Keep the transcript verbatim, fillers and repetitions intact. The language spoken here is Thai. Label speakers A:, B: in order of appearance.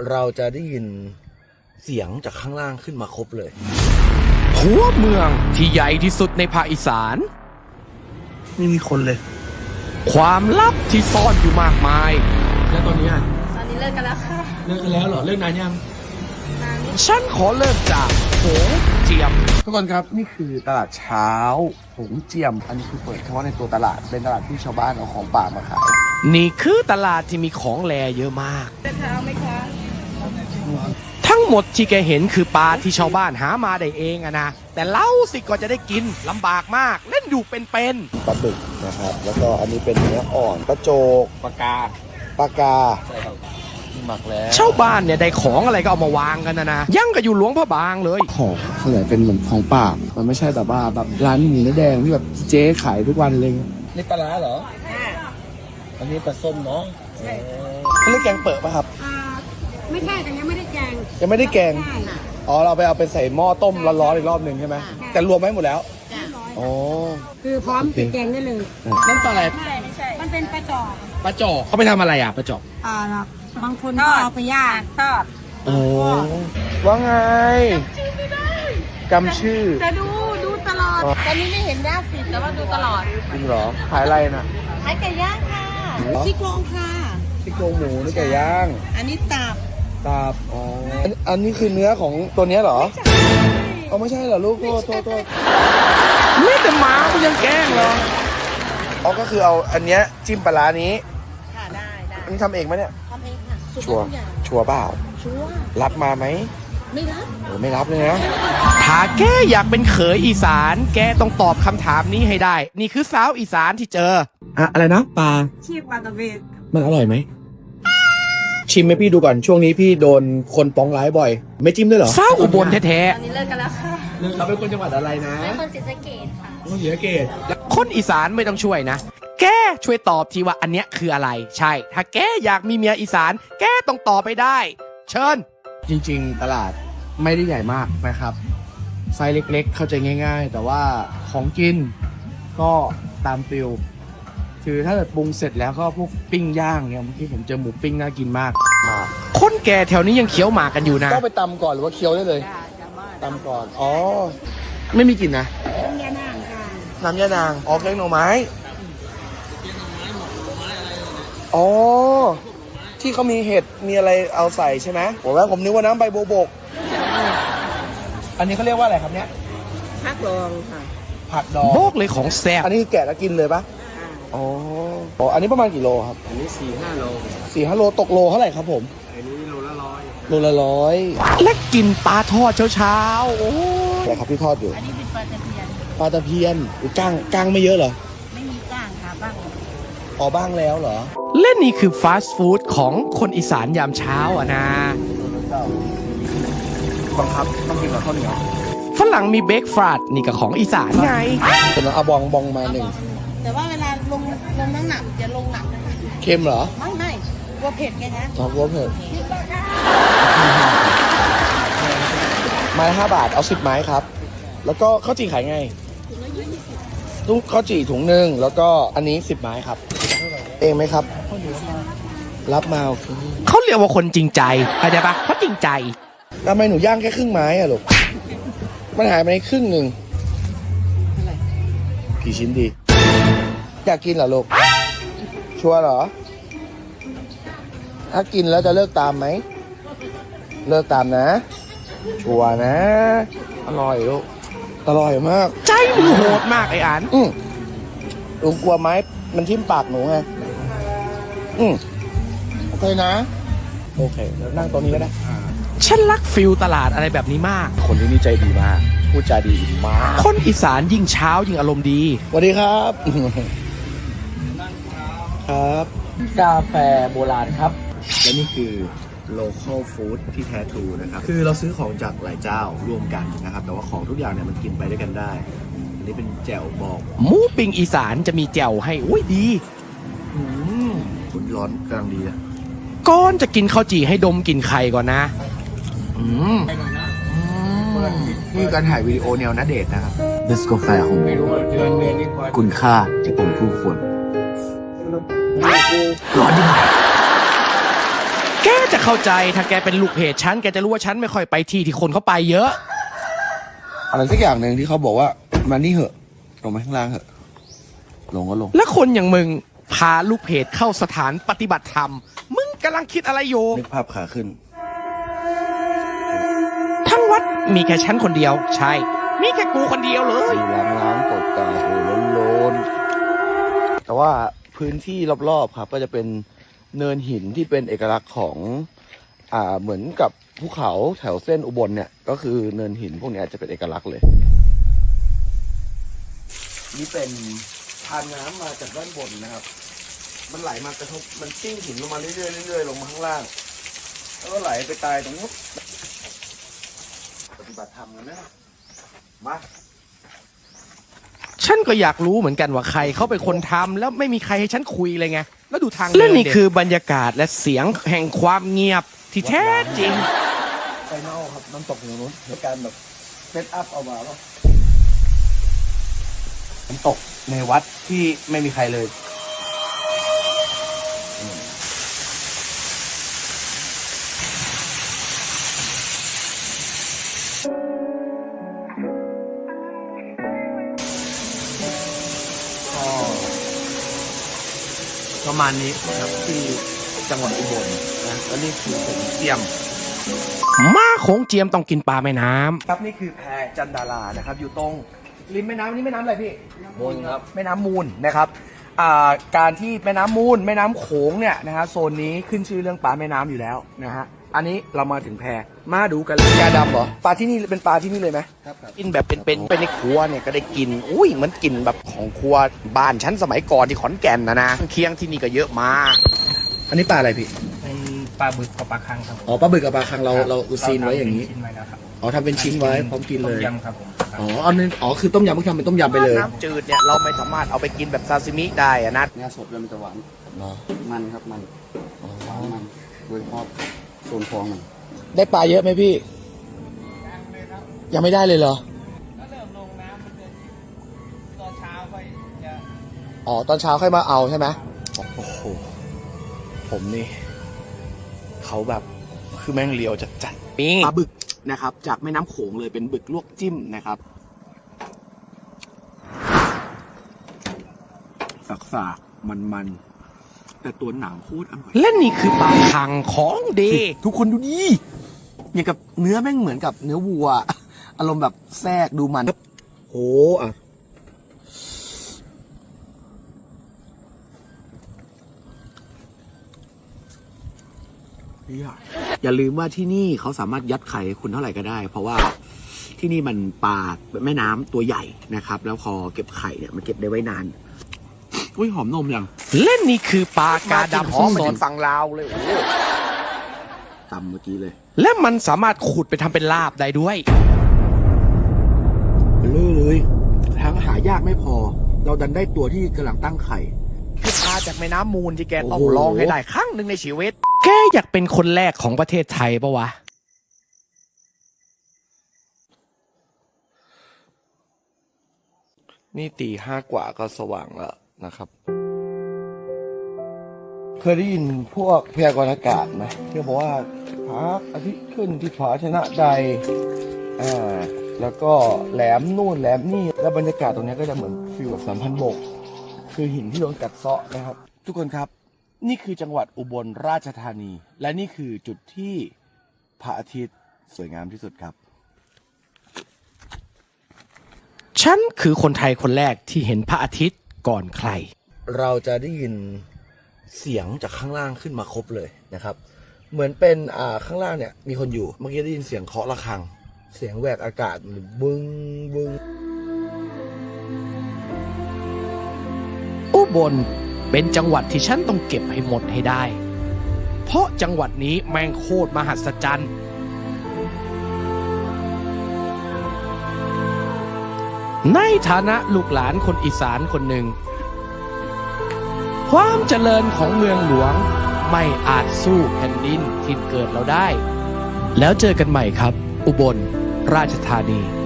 A: เราจะได้ยินเสียงจากข้างล่างขึ้นมาครบเลย
B: หัวเมืองที่ใหญ่ที่สุดในภาคอีสาน
A: ไม่มีคนเลย
B: ความลับที่ซ่อนอยู่มากมาย
C: แล้วตอนนี้อ่ะ
D: ตอนนี้เลิกกันแล้วค่ะ
C: เลิกกันแล้วเหรอเลิกนานยัง
D: นานนี่
B: ฉันขอเริ่มจากโหงเจียม
A: ทุกคนครับนี่คือตลาดเช้าหงเจียมอันนี้คือเปิดเฉพาะในตัวตลาดเป็นตลาดที่ชาวบ้านเอาของป่ามาขาย
B: นี่คือตลาดที่มีของแลเยอะมาก
D: จะเท้าไหมคะ
B: ทั้งหมดที่แกเห็นคือปลาที่ชาวบ้านหามาได้เองอะนะแต่เล่าสิก็จะได้กินลำบากมากเล่นอยู่เป็น
A: ปลาบึกนะครับแล้วก็อันนี้เป็นเนื้ออ่อนปลาโจก
C: ปากกา
A: ปลากาใช่ครับหมักแล้ว
B: ชาวบ้านเนี่ยได้ของอะไรก็เอามาวางกันนะนะยังก็อยู่หลวงพระบางเลย
A: ของส่วนใหญ่เป็นเหมือนของป่ามันไม่ใช่แบบว่าแบบร้านหมูเนื้อแดงที่แบบเจ๊ขายทุกวันเลย
C: นี่ปลาร้าเหรออันนี้ปลาส้มเนาะ
A: เขาเรียกแกงเปิดป่ะครับ
D: ไม่ใช่แต่ยังไม่ได้แกง
A: ยังไม่ได้แกงอ๋อเราไปเอาไปใส่หม้อต้มร้อนๆอีกรอบหนึ่งใช่ไหมแต่รวมไว้หมดแล้วอ๋อ
D: คือพร้อมเป็นแกงได้เลย
B: นั่นปลาอะไร
D: ไม่ไม่ใช่มันเป็นปลาจอก
B: ปลาจอกเขาไปทำอะไรอ่ะปลาจอก
D: อ่าครับบางคนก็เอาไปย่างทอด
A: โอ้ว่าไงจำชื่อ
D: จะดูดูตลอดตอนนี้ไม่เห็นหน้าฟีดแต่ว่าดูตลอด
A: จริงเหรอขายอะไรน่ะ
D: ขายไก่ย่างค่ะซี่โครงค่ะ
A: ซี่โครงหมูนี่ไก่ย่าง
D: อันนี้ตับ
A: ตับอ๋ออันนี้คือเนื้อของตัวนี้เหรออ๋อไม่ใช่เหรอลูกโทษโทษโทษ
B: ไม่แต่หมากูยังแกล้งเหรอ
A: อ๋อก็คือเอาอันเนี้ยจิ้มปลาร้านี้
D: ค่ะได้ได้
A: อันนี้ทำเองไหมเนี่ย
D: ทำเองค่ะ
A: ชัวร์ชัวร์เปล่า
D: ชัวร์
A: รับมาไหม
D: ไม่รับ
A: เออไม่รับเลยนะ
B: ถ้าแกอยากเป็นเขยอีสานแกต้องตอบคำถามนี้ให้ได้นี่คือสาวอีสานที่เจอ
A: อะอะไรนะปลา
D: ชีปลาตะเวน
A: มันอร่อยไหมชิมให้พี่ดูก่อนช่วงนี้พี่โดนคนป้องร้ายบ่อยไม่จิ้มด้วยเหรอ
B: สาวอุบลแท้
D: ๆตอนนี้เลิกกันแล้วค่ะ
A: เราเป็นคนจังหวัดอะไรนะ
D: เป็นคนศรีสะเกษค่ะ
A: คนศรีสะเกษ
B: คนอีสานไม่ต้องช่วยนะแกช่วยตอบทีว่าอันเนี้ยคืออะไรใช่ถ้าแกอยากมีเมียอีสานแกต้องตอบไปได้เชิญ
A: จริงๆตลาดไม่ได้ใหญ่มากนะครับไซส์เล็กๆเข้าใจง่ายๆแต่ว่าของกินก็ตามฟิลคือถ้าเกิดปรุงเสร็จแล้วก็พวกปิ้งย่างเนี่ยเมื่อกี้ผมเจอหมูปิ้งน่ากินมาก
B: คนแก่แถวนี้ยังเคี้ยวหมากกันอยู่นะ
A: ต้องไปตำก่อนหรือว่าเคี้ยวได้เลยตำก่อนอ๋อไม่มีกลิ่นนะ
D: น้ำยานางค่ะ
A: น้ำยานางอ๋อแกงหน่อไม้อ๋อที่เขามีเห็ดมีอะไรเอาใส่ใช่ไหมผมว่าผมนึกว่าน้ำใบโบกอันนี้เขาเรียกว่าอะไรครับเนี้ย
D: ผักดองค่ะ
A: ผักดอง
B: โบกเลยของแซ่บ
A: อันนี้แกะแล้วกินเลยปะอ๋ออ๋ออันนี้ประมาณกี่โลครับ
C: อันนี้สี่ห้าโล
A: สี่ห้าโลตกโลเท่าไหร่ครับผม
C: อันนี้โลละร้อย
A: โลละร้อย
B: และกินปลาทอดเช้าๆโอ้
A: อะไรครับที่ทอดอยู่
D: อันนี้เป็นปลาตะเพียน
A: ปลาตะเพียนก้างก้างไม่เยอะเหรอ
D: ไม่มีก้างค่ะบ้าง
A: อ๋อบ้างแล้วเหรอ
B: และนี่คือฟาสต์ฟู้ดของคนอีสานยามเช้าอ่ะนะ
A: บังคับต้องกินกับข้าวเหนียว
B: ฝรั่งมีเบรกฟาสต์นี่กับของอีสานไง
A: เป็นเอาบองบองมาหนึ่ง
D: แต่ว่าเวลาลงลงน้ำหนักจะลงหนักนะคะ
A: เค็มเหรอ
D: ไม่ไม่กลัวเผ็ดไงนะ
A: อ๋อกลัวเผ็ดไม้ห้าบาทเอาสิบไม้ครับแล้วก็ข้าวจี่ขายไงตู้ข้าวจี่ถุงหนึ่งแล้วก็อันนี้สิบไม้ครับเองไหมครับรับมาโอเค
B: เขาเรียกว่าคนจริงใจเข้าใจปะเขาจริงใจ
A: ทำไมหนูย่างแค่ครึ่งไม้อะลูกมันหายไปในครึ่งหนึ่งกี่ชิ้นดีอยากกินเหรอลูกชัวร์เหรอถ้ากินแล้วจะเลิกตามไหมเลิกตามนะชัวร์นะอร่อยลูกอร่อยมาก
B: ใจมึงโหดมากไอ้อัน
A: อืมลุงกลัวไหมมันทิ่มปากหนูไงอืมโอเคนะโอเคแล้วนั่งตรงนี้ก็ได้
B: ฉันรักฟิลตลาดอะไรแบบนี้มาก
A: คนที่นี่ใจดีมากพูดจาดีมาก
B: คนอีสานยิ่งเช้ายิ่งอารมณ์ดี
A: สวัสดีครับครับกาแฟโบราณครับและนี่คือ local food ที่แท้ทรูนะครับคือเราซื้อของจากหลายเจ้ารวมกันนะครับแต่ว่าของทุกอย่างเนี่ยมันกินไปด้วยกันได้อันนี้เป็นแจ่วบอง
B: หมูปิ้งอีสานจะมีแจ่วให้อุ้ยดี
A: อืมคุณร้อนกำลังดีนะ
B: ก่อนจะกินข้าวจี่ให้ดมกลิ่นไข่ก่อนนะอืม
A: นี่การถ่ายวิดีโอแนวณเดชน์นะครับเนสกาแฟของคุณค่าที่ผมคู่ควรร้อนจริง
B: แกจะเข้าใจถ้าแกเป็นลูกเพจฉันแกจะรู้ว่าฉันไม่ค่อยไปที่ที่คนเขาไปเยอะ
A: อะไรสักอย่างหนึ่งที่เขาบอกว่ามานี่เหอะลงมาข้างล่างเหอะลงก็ลง
B: และคนอย่างมึงพาลูกเพจเข้าสถานปฏิบัติธรรมมึงกำลังคิดอะไรอยู่
A: นึกภาพขาขึ้น
B: ทั้งวัดมีแค่ฉันคนเดียวใช่มีแค่กูคนเดียวเลย
A: ล้างล้างตกตาโอ้ล้นล้นแต่ว่าพื้นที่รอบๆครับก็จะเป็นเนินหินที่เป็นเอกลักษณ์ของอ่าเหมือนกับภูเขาแถวเส้นอุบลเนี่ยก็คือเนินหินพวกเนี้ยจะเป็นเอกลักษณ์เลยนี่เป็นทานน้ำมาจากด้านบนนะครับ มันไหลมากระทบมันซิ่งหินลงมาเรื่อยๆเรื่อยๆลงมาข้างล่างแล้วก็ไหลไปตายตรงนู้นปฏิบัติธรรมกันนะมา
B: ฉันก็อยากรู้เหมือนกันว่าใครเขาเป็นคนทำแล้วไม่มีใครให้ฉันคุยเลยไงแล้วดูทางและนี่คือบรรยากาศและเสียงแห่งความเงียบที่แท้จริง
A: ไปเน่าครับน้ำตกอยู่นู้นในการแบบเซตอัพเอามาแล้วน้ำตกในวัดที่ไม่มีใครเลยประมาณนี้นะครับที่จังหวัดอุบลนะแล้วนี่คือผมเตรียม
B: ม้าโขงเจียมต้องกินปลาแม่น้ำ
A: ครับนี่คือแพจันดารานะครับอยู่ตรงริมแม่น้ำนี่แม่น้ำอะไรพี่
C: มูลครับ
A: แม่น้ำมูลนะครับอ่าการที่แม่น้ำมูลแม่น้ำโขงเนี่ยนะฮะโซนนี้ขึ้นชื่อเรื่องปลาแม่น้ำอยู่แล้วนะฮะอันนี้เรามาถึงแพมาดูกันเลยยาดำเหรอปลาที่นี่เป็นปลาที่นี่เลยไหม
C: ครับครับ
B: กินแบบเป็นๆไปในครัวเนี่ยก็ได้กินอุ้ยเหมือนกินแบบของครัวบ้านฉันสมัยก่อนที่ขอนแก่นนะนะเคียงที่นี่ก็เยอะมาก
A: อันนี้ปลาอะไรพี่
E: เป็นปลาบึกกับปลาคังครับ
A: อ๋อปลาบึกกับปลาคังเราเราซีนไว้อย่างนี้
E: นี้ชิ้นไว้แล้วครับ
A: อ๋อทำเป็นชิ้นไว้พร้อมกินเลย
E: ต้มยำครับผม
A: อ๋ออันนี้อ๋อคือต้มยำเพิ่งทำเป็นต้มยำไปเลย
B: น้ำจืดเนี่ยเราไม่สามารถเอาไปกินแบบซาซิมิได้อะนะ
C: เนื้อสดเลยมันจะหวาน
A: เหรอ
C: มันครับมันหวานมันโดยเฉพาะโซนฟองมัน
A: ได้ปลาเยอะไหมพี่ ยังไม่ได้เลยเหรอ
E: ก็เริ่มลงน้ำมันจะตอนเช้าค่อยจะ
A: อ๋อตอนเช้าค่อยมาเอาใช่ไหมโอ้โหผมนี่เขาแบบคือแม่งเลียวจัดจัด
B: นี่
A: ปลาบึกนะครับ จากแม่น้ำโขงเลยเป็นบึกลวกจิ้มนะครับสักสากมันมันๆแต่ตัวหนังโคตรอร่อย
B: และนี่คือปลาคังของดี
A: ทุกคนดูดิอย่างกับเนื้อแม่งเหมือนกับเนื้อวัว อารมณ์แบบแทรกดูมันโอ้อ่ะอย่าลืมว่าที่นี่เขาสามารถยัดไข่ให้คุณเท่าไหร่ก็ได้ เพราะว่าที่นี่มันปลาแม่น้ำตัวใหญ่นะครับ แล้วพอเก็บไข่เนี่ยมันเก็บได้ไว้นานอุ้ยหอมนมยัง
B: และนี่คือปลากาดำของโซนฝั่งลาวเลยโอ้โห
A: ตำเมื่อกี้เลย
B: และมันสามารถขุดไปทำเป็นลาบได้ด้วย
A: เบลอเลยทั้งหายากไม่พอ เราดันได้ตัวที่กำลังตั้งไข่
B: คือปลาจากแม่น้ำมูลที่แกต้อง
A: โอ้โห
B: ลองให้ได้ครั้งหนึ่งในชีวิต แกอยากเป็นคนแรกของประเทศไทยปะวะ
A: นี่ตีห้ากว่าก็สว่างแล้วนะครับ เคยได้ยินพวกพยากรณ์อากาศไหมที่บอกว่าพระอาทิตย์ขึ้นที่ผาชนะใดอ่าแล้วก็แหลมนู่นแหลมนี่แล้วบรรยากาศตรงนี้ก็จะเหมือนฟิลแบบสัมพันธ์บก คือหินที่โดนกัดเซาะนะครับ ทุกคนครับ นี่คือจังหวัดอุบลราชธานี และนี่คือจุดที่พระอาทิตย์สวยงามที่สุดครับ
B: ฉันคือคนไทยคนแรกที่เห็นพระอาทิตย์ก่อนใคร
A: เราจะได้ยินเสียงจากข้างล่างขึ้นมาครบเลยนะครับ เหมือนเป็นอ่าข้างล่างเนี่ยมีคนอยู่ เมื่อกี้ได้ยินเสียงเคาะระฆัง เสียงแหวกอากาศบึ้งบึ้ง
B: อุบลเป็นจังหวัดที่ฉันต้องเก็บให้หมดให้ได้ เพราะจังหวัดนี้แม่งโคตรมหัศจรรย์ ในฐานะลูกหลานคนอีสานคนหนึ่ง ความเจริญของเมืองหลวงไม่อาจสู้แผ่นดินที่เกิดเราได้ แล้วเจอกันใหม่ครับ อุบลราชธานี